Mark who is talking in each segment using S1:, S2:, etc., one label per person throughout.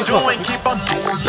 S1: doing, keep on doing.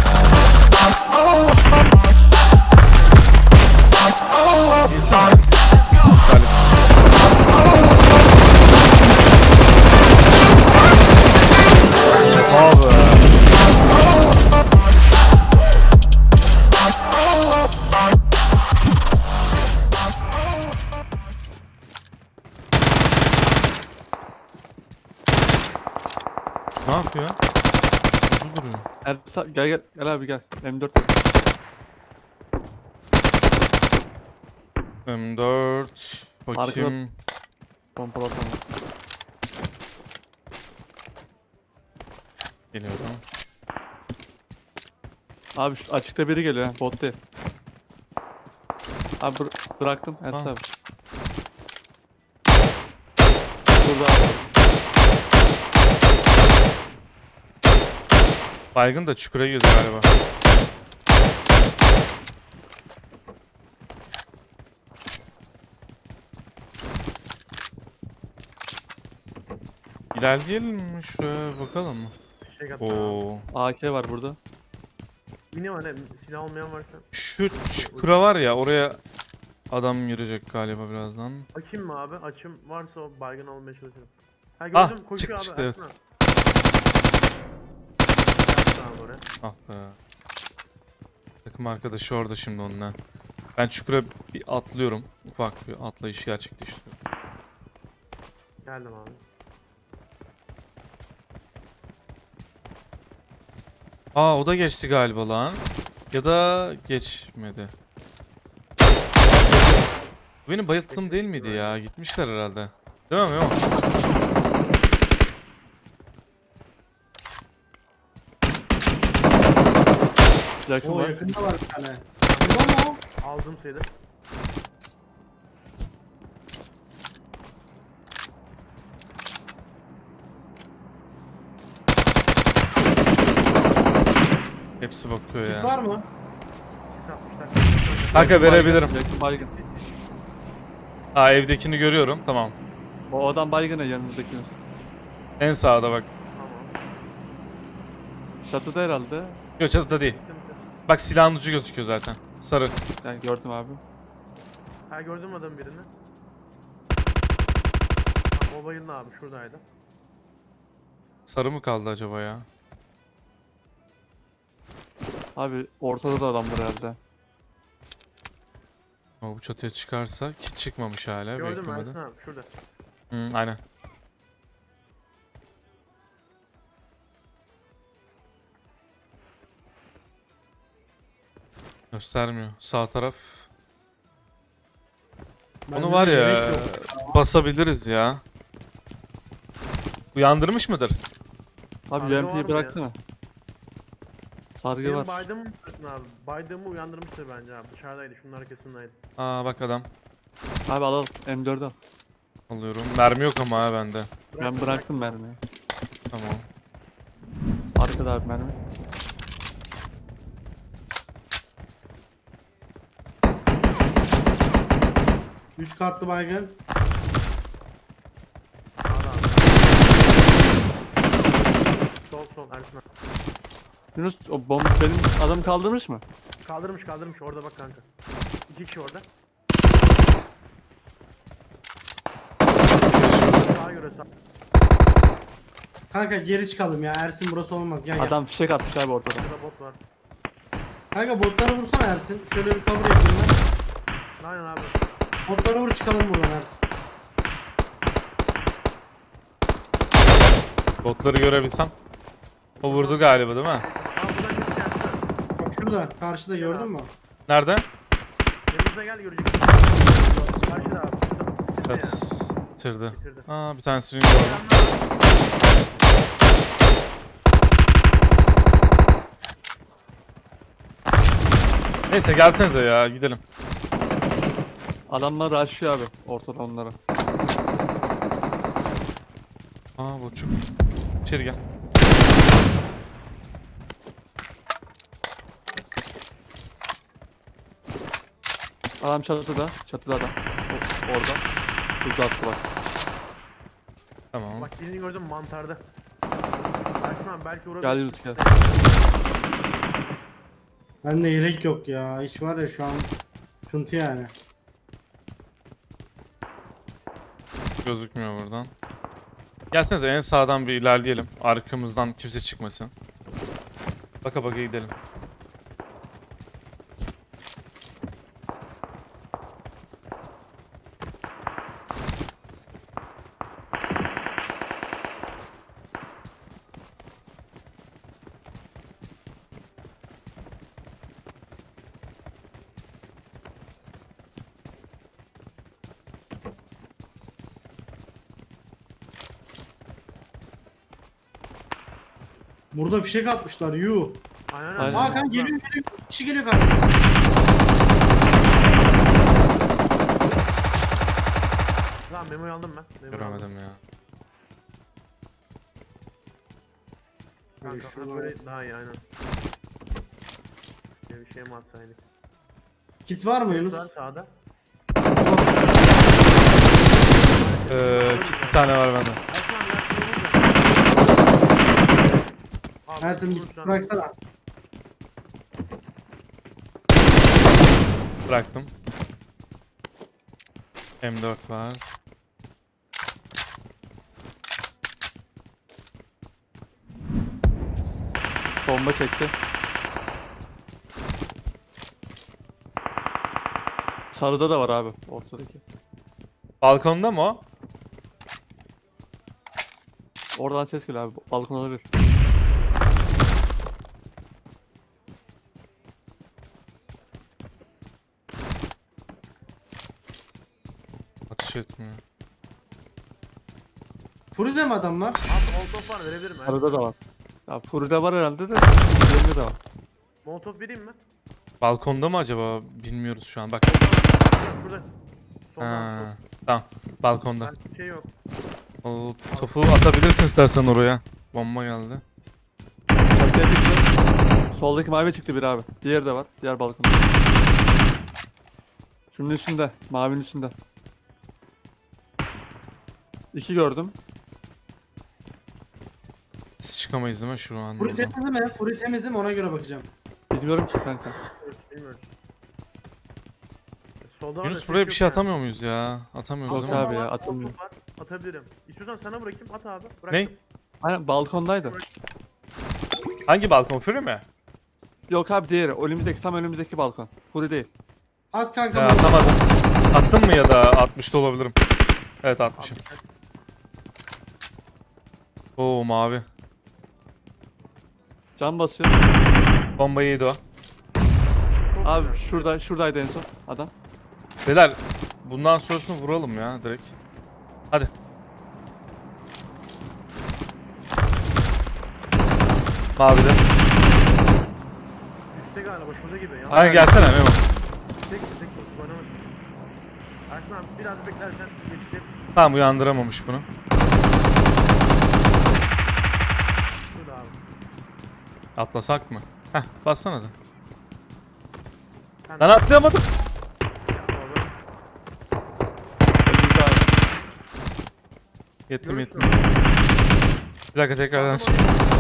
S2: Ne yapıyor? Hızlı duruyor.
S3: Gel gel gel abi gel. M4.
S2: M4 bakayım.
S3: Pompalı tamam.
S2: Geliyorum.
S3: Abi şu açıkta biri geliyor ha. Bot değil. Abi bıraktım. Ersin
S2: Ha.
S3: abi. Burada abi.
S2: Baygın da çukura girdi galiba. İlerleyelim mi? Şuraya bakalım mı?
S4: Şey
S2: Oo.
S3: AK var burada.
S4: Mini var ne? Silah olmayan varsa.
S2: Şu çukura var ya, oraya adam girecek galiba birazdan.
S4: Açayım mı abi? Açım varsa o baygın olmaya çalışırım. Ha
S2: Ah,
S4: gördüm koşuyor
S2: çıktı,
S4: abi.
S2: çıktı, evet.
S4: Yaptı abi oraya.
S2: Ah be. Takım arkadaşı orada şimdi onunla. Ben çukura bir atlıyorum. Ufak bir atlayış gerçekleştiriyorum.
S4: Geldim abi.
S2: Aa, o da geçti galiba lan. Ya da geçmedi. Bu benim bayılttığım değil miydi ya? Gitmişler herhalde. Değil mi? Yok.
S3: Yakın
S5: O
S3: var.
S5: yakında var bir tane. Burada mı o?
S4: Aldım sayıda.
S2: Hepsi bakıyor
S5: Kit
S2: ya.
S5: var mı?
S4: Sis atmışlar.
S2: Kanka verebilirim.
S3: Yakın baygın.
S2: Aa, evdekini görüyorum. Tamam.
S3: O adam baygın ya yanımızdakinin.
S2: En sağda bak.
S4: Tamam.
S3: Çatıda herhalde.
S2: Yok, çatıda değil. Bak, silahın ucu gözüküyor zaten. Sarı.
S3: Yani gördüm abi.
S4: Ha gördüm adam birini. Ha, o bayıldı abi şuradaydı.
S2: Sarı mı kaldı acaba ya?
S3: Abi ortada da adam var herhalde.
S2: Ama bu çatıya çıkarsa ki çıkmamış hala.
S4: Gördüm
S2: Beklemedi.
S4: Ersin abi şurada.
S2: Aynen. Göstermiyor. Sağ taraf.
S5: Bende
S2: Onu var
S5: de
S2: ya,
S5: gerek yok.
S2: basabiliriz ya. Uyandırmış mıdır?
S3: Abi
S4: Sargı var
S3: UMP'yi
S4: mı
S3: bıraksana. Sargı
S4: Benim
S3: var.
S4: baydığımı mı tuttun abi? Baydığımı uyandırmıştır bence abi. Dışarıdaydı şunun arkasındaydı.
S2: Aa, bak adam.
S3: Abi alalım. M4 al.
S2: Alıyorum. Mermi yok ama ha bende.
S3: Ben bıraktım mermiyi.
S2: Tamam.
S3: Arkada abi mermi.
S5: Üç katlı baygın.
S4: Sağda abi. Sol Ersin abi.
S3: Yunus o bomba benim adamı kaldırmış mı?
S4: Kaldırmış orada bak kanka. İki kişi orada. Sağa göre sağ.
S5: Kanka geri çıkalım ya. Ersin burası olmaz. Gel gel.
S3: Adam fişek atmış abi ortada.
S4: Burada bot var.
S5: Kanka botları vursana Ersin. Şöyle bir cover yapayım ben.
S4: Aynen abi.
S5: Botları vur çıkalım buradan Ersin.
S2: Botları görebilsem. O vurdu galiba değil mi?
S4: Aa buradan geçeceğim.
S5: Bak şurada. Karşıda gördün mü?
S2: Nerede?
S4: Yanımıza gel göreceksin. Karşıda abi.
S2: Evet.
S4: Şurada.
S2: Bitirdi.
S4: Bitirdi.
S2: Aa, bir tanesini gördüm. Neyse, gelsenize ya, gidelim.
S3: Adamlar rushlıyor abi ortada onlara.
S2: Aa, boçuk. İçeri gel.
S3: Adam çatıda. Çatıda adam. Orada. Uzattı bak.
S2: Tamam.
S4: Bak birini gördüm mantarda. Ersin abi belki vurabilir.
S3: Gel Yunus gel.
S5: Bende yelek yok ya. Hiç var ya şu an sıkıntı yani.
S2: Gözükmüyor buradan. Gelsenize en sağdan bir ilerleyelim. Arkamızdan kimse çıkmasın. Baka baka gidelim.
S5: Burada fişek atmışlar. Yuh.
S4: Aynen
S3: Aynen.
S5: Hakan geliyor. Kişi geliyor karşıma.
S4: Lan memoyu aldım ben. Memoyu aldım.
S2: Göremedim ya.
S4: Kanka
S5: Şuradan
S4: böyle daha iyi aynen. Bir şey mi atsaydık?
S5: Kit var mı Yunus?
S4: Var sağda.
S2: Bir tane var bende.
S4: Ersin abi
S5: Ersin bir bıraksana.
S2: Bıraktım. M4 var.
S3: Bomba çekti. Sarıda da var abi ortadaki.
S2: Balkonda mı o?
S3: Oradan ses geliyor abi. Balkon olabilir.
S2: Atış etmiyor.
S5: Furi'de mi adam var?
S4: Abi molotof var verebilir mi?
S3: Sarıda da var. Ya Furi'de var herhalde de. Diğerinde de var.
S4: Molotof vereyim mi?
S2: Balkonda mı acaba? Bilmiyoruz şu an. Bak.
S4: Şurada. Soldan
S2: Ha, tamam. Balkonda.
S4: sol. Bir şey yok.
S2: O topu atabilirsin istersen oraya. Bomba geldi.
S3: Çatıya çıktı. Soldaki mavi çıktı bir abi. Diğeri de var. Diğer balkonda. Şunun üstünde. Mavinin üstünde. İki gördüm.
S2: Siz çıkamayız değil mi şu an?
S5: Furi
S2: buradan?
S5: temiz mi? Furi temiz mi? Ona göre bakacağım.
S3: Bilmiyorum ki kanka.
S4: Bilmiyoruz. Solda var da
S2: Yunus
S4: ses
S2: buraya bir
S4: yok
S2: şey
S4: yani.
S2: atamıyor muyuz ya? Atamıyoruz
S3: Yok
S2: değil mi?
S3: abi
S4: Bomba
S3: ya,
S4: var,
S3: atılmıyor.
S4: molotof var, atabilirim. İstiyorsan sana bırakayım at abi.
S2: Ne?
S4: Bıraktım.
S3: Aynen balkondaydı.
S2: Hangi balkon? Fury mi?
S3: Yok abi diğeri. Önümüzdeki tam önümüzdeki balkon. Furi değil.
S5: At kanka.
S2: Ya
S5: bunu.
S2: atamadım. Attın mı ya da 60'da olabilirim. Evet atmışım. Oo mavi.
S3: Can basıyor.
S2: Bombayı yedi o.
S4: Çok
S3: Abi
S4: güzel.
S3: şuradaydı en son adam.
S2: Beyler bundan sonrasını vuralım ya direkt. Hadi. Mavide.
S4: Üstte galiba başımıza gibi. Ya.
S2: Hayır gelsene Memo.
S4: Tek oynamadım. Ersin abi biraz beklersen geçecek.
S2: Tamam uyandıramamış bunu.
S4: Şurada abi.
S2: Atlasak mı? Heh bassana da.
S4: Sen
S2: Lan atlayamadım.
S4: orada.
S3: Önümüzde abi.
S2: Yettim
S4: Görürsün.
S2: yettim. Bir dakika tekrardan çık.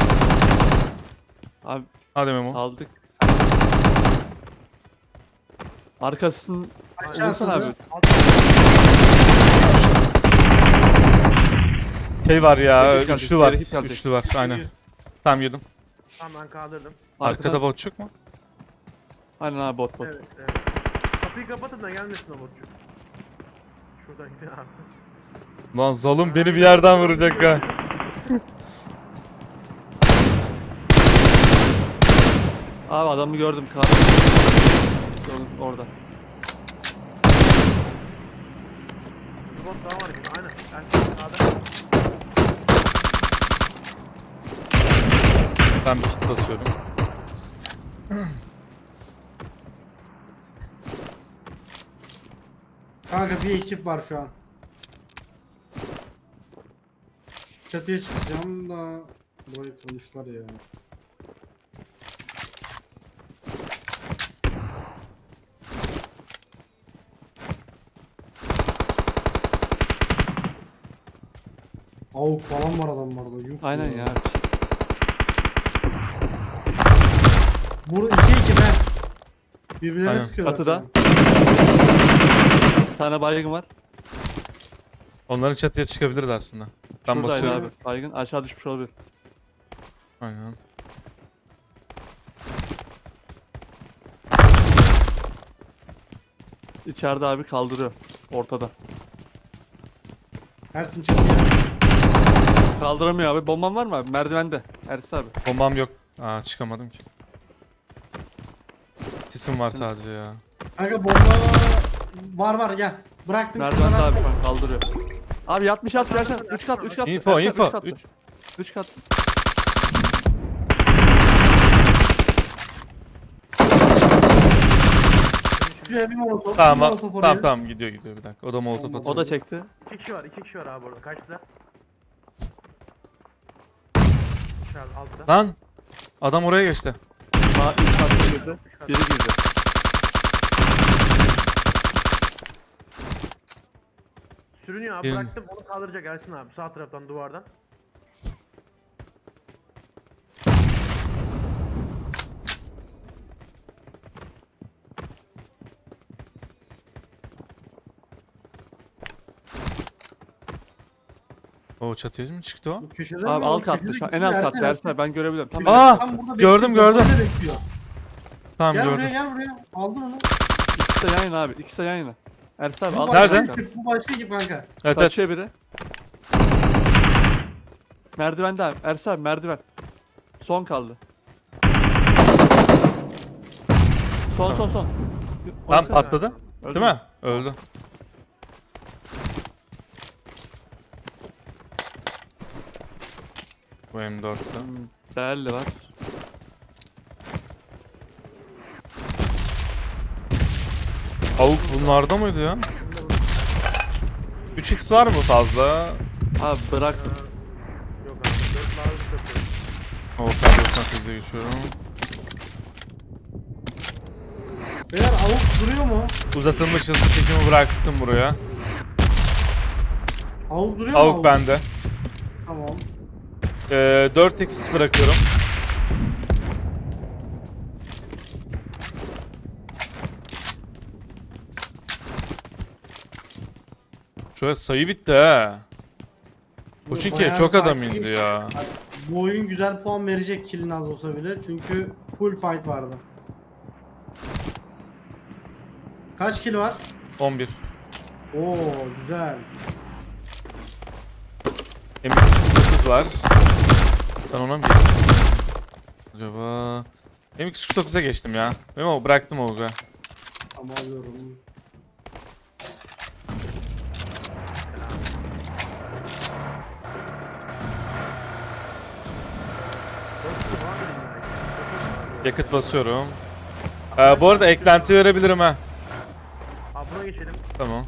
S3: Abi
S2: Hadi Memo.
S3: saldık. Arkasını
S5: Aşağı
S3: vursana abi.
S5: atladı.
S2: Şey var ya
S3: Geri hit
S2: üçlü
S3: geldi,
S2: var.
S3: geri hit geldi.
S2: Üçlü var aynen. Tamam yedim.
S4: Tamam ben kaldırdım.
S2: Arkada botçuk mu?
S3: Aynen abi bot.
S4: Evet evet. Kapıyı kapatın da gelmesin o botçuk. Şuradan gidiyor abi.
S2: Lan zalim beni bir yerden vuracak ha.
S3: Abi adamı gördüm. Gördüm orada.
S4: Bir bot daha var gibi aynen. Ersin sağda.
S2: Ben bir kit basıyorum.
S5: Kanka bir ekip var şu an. Çatıya çıkacağım da burayı kırmışlar ya. Avuk falan var adamlarda. Yuh
S3: Aynen ya.
S5: Bu 2-2 be. Birbirlerine
S2: Aynen.
S5: sıkıyorlar.
S3: Çatıda. Bir tane baygın var.
S2: Onların çatıya çıkabilirdi aslında. Ben
S3: Şuradaydı
S2: basıyorum.
S3: abi. Baygın aşağı düşmüş olabilir.
S2: Aynen.
S3: İçeride abi kaldırıyor. Ortada.
S5: Ersin çatıya.
S3: Kaldıramıyor abi. Bomban var mı abi? Merdivende. Ersin abi.
S2: Bombam yok. Aa çıkamadım ki. Sisim var sadece ya.
S5: Kanka bomba var gel. Bıraktım
S3: Merdivende
S5: şuradan
S3: abi
S5: atsana.
S3: şu an kaldırıyor. Abi yatmış Ersin. 3 kat 3 kat.
S2: Info
S3: Ersin,
S2: info.
S3: üç kat.
S2: 3.
S3: 3 kat.
S5: Şuraya bir molotof. bir
S2: Tamam
S5: molotof oraya.
S2: tamam gidiyor bir dakika. O da molotof atıyor.
S3: O da çekti.
S4: 2 kişi var abi orada. Kaçta? Dışarıda altta.
S2: Lan adam oraya geçti.
S3: Sağ 3 kat girdi. Biri girdi.
S4: Sürünüyor abi,
S2: Birini-
S4: bıraktım onu kaldıracak Ersin abi sağ taraftan duvardan.
S2: O çatıya mı çıktı o?
S5: Bu köşede
S3: Abi
S5: mi?
S3: alt
S5: O
S3: katta
S5: köşede
S3: şu an. En
S5: gidiyor,
S3: alt
S5: Ersin,
S3: katta
S5: Ersin.
S3: Ersin abi ben görebiliyorum. Tam
S2: Aa!
S5: Tam burada
S2: gördüm,
S5: bekliyor,
S2: gördüm.
S5: bombayla bekliyor.
S2: Tamam
S5: Gel
S2: gördüm.
S5: buraya gel buraya. Aldın onu.
S3: ikisi de yan yana abi. İkisi de yan yana. Ersin abi
S5: Bu
S3: alt
S2: Nerede?
S5: başka ekip, Bu başka ekip kanka.
S2: Evet evet.
S3: Kaçıyor biri. Merdivende abi. Ersin abi merdiven. Son kaldı. Son.
S2: Tamam
S3: Baksana.
S2: atladı.
S3: Öldü
S2: Değil mi? Öldü. Bu M4'tü.
S3: Değerli var.
S2: Avuk bunlarda mıydı ya? 3x var mı fazla?
S3: Abi bıraktım.
S4: Yok abi 4 lazım yapıyorum.
S2: O K98'e geçiyorum.
S5: Beyler avuk duruyor mu?
S2: Uzatılmış hızlı çekimi bıraktım buraya.
S5: Avuk duruyor mu?
S2: Avuk bende.
S5: Tamam.
S2: 4x bırakıyorum. Şöyle sayı bitti ha. Bu çünkü
S5: Bayağı
S2: çok
S5: bir
S2: adam
S5: fight
S2: indi
S5: geçti.
S2: ya.
S5: Bu oyun güzel puan verecek killin az olsa bile. Çünkü full fight vardı. Kaç kill var?
S2: 11.
S5: Oo güzel.
S2: M249 var. Ben ona mı geçtim? Acaba... M249'a geçtim ya. Memo bıraktım Olga.
S5: Tamam alıyorum.
S2: Yakıt basıyorum. Bu arada eklenti verebilirim ha.
S4: Abi buna geçelim.
S2: Tamam.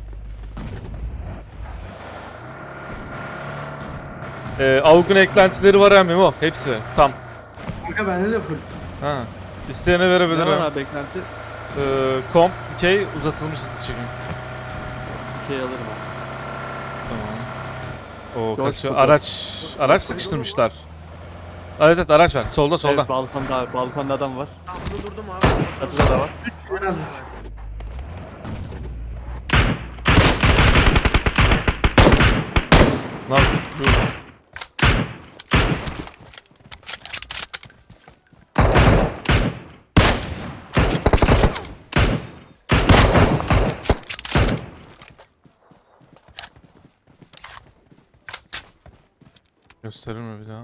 S2: Avuk'un eklentileri var ha Memo. Hepsi. Tam.
S5: Kanka bende de full.
S2: Ha. İsteyene
S3: Ne var
S2: verebilirim.
S3: abi beklenti?
S2: Komp, dikey, uzatılmış hızlı çekim.
S3: 2'ye alırım abi.
S2: Tamam. O
S3: George
S2: kaçıyor.
S3: Clooney.
S2: Araç sıkıştırmışlar. Evet araç var. Solda solda.
S3: Evet, balkonda abi. Balkonda adam var.
S4: Tam burada durdum abi.
S3: Çatıda da var.
S5: En az 3.
S2: Ne yapsın? Dur. Gösterir mi bir daha?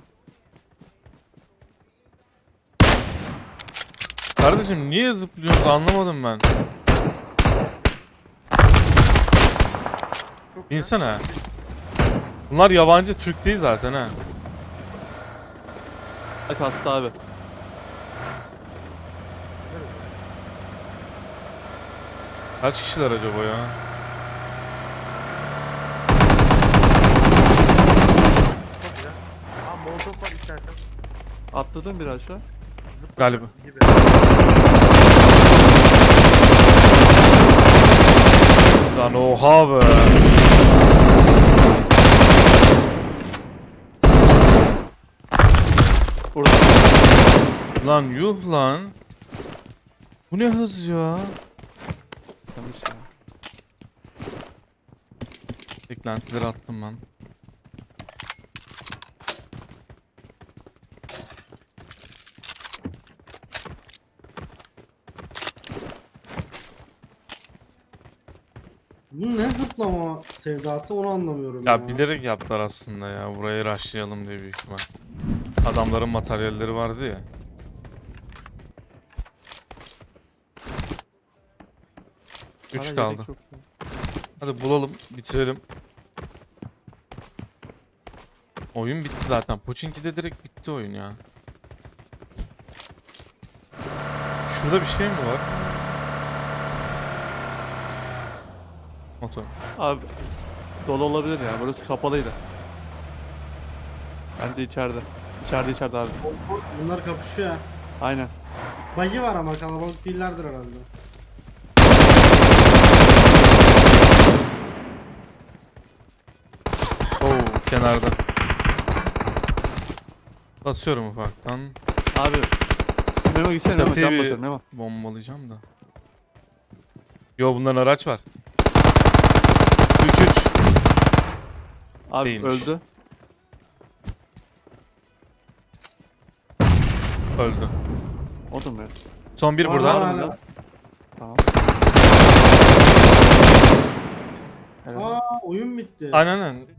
S2: Kardeşim niye zıplıyorsunuz anlamadım ben. İnsana. Bunlar yabancı Türk değil zaten ha.
S3: Bak hasta abi.
S2: Kaç kişiler acaba ya?
S4: Çok güzel. Abi molotof var istersen.
S3: Atladın bir aşağı.
S2: Galiba.
S4: Gibi.
S2: Lan oha be.
S3: Burada.
S2: Lan yuh lan. Bu ne hız ya?
S3: Yanlış ya.
S2: Beklentileri attım ben.
S5: Bu ne zıplama sevdası onu anlamıyorum ya.
S2: Ya bilerek yaptılar aslında ya. Burayı rushlayalım diye büyük ihtimal. Adamların materyalleri vardı ya.
S3: Bana
S2: 3
S3: yelek
S2: kaldı.
S3: yok ya.
S2: Hadi bulalım, bitirelim. Oyun bitti zaten. Pochinki'de direkt bitti oyun ya. Şurada bir şey mi var? Motor.
S3: Abi dolu olabilir ya. Burası kapalıydı. Bence içeride. İçeride abi.
S5: Bunlar kapışıyor ya.
S3: Aynen.
S5: Buggy var ama kalabalık değillerdir herhalde.
S2: Oo, kenarda. Basıyorum ufaktan.
S3: Abi. Memo gitsene Memo.
S2: Çatıya
S3: Can
S2: bir
S3: basıyorum Memo.
S2: bombalayacağım da. Yo, bunların araç var. 3-3.
S3: Abi
S2: Değilmiş.
S3: öldü.
S2: Öldü.
S3: O da mı?
S2: Son bir
S5: Var,
S2: burada.
S5: var,
S3: burada.
S5: var.
S3: Tamam. Helal.
S5: Aa oyun bitti.
S2: Aynen aynen.